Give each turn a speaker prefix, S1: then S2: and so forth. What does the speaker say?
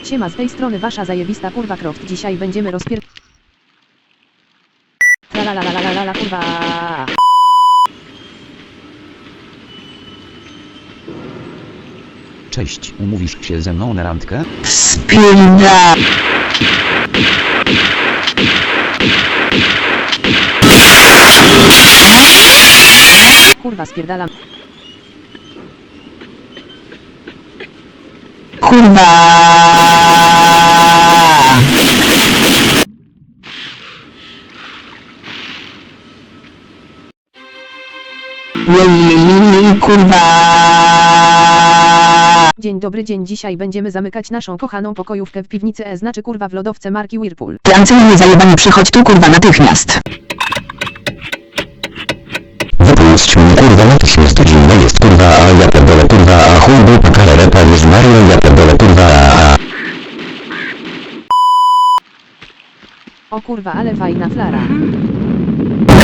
S1: Siema, z tej strony wasza zajebista kurwa Croft. Dzisiaj będziemy la kurwa.
S2: Cześć, umówisz się ze mną na randkę?
S3: Spinda.
S1: Kurwa, spierdalam.
S3: Kurwa. Kurwa.
S1: Dzień dobry, dzisiaj będziemy zamykać naszą kochaną pokojówkę w piwnicy znaczy kurwa w lodowce marki Whirlpool.
S3: Francuzi zajebani, przychodź tu kurwa natychmiast.
S4: Wypuść mnie kurwa natychmiast, zimno jest kurwa, a ja pierdolę kurwa, a chuj dupa kalerepa jest Mario, ja pierdolę kurwa, a.
S1: O kurwa, ale fajna flara.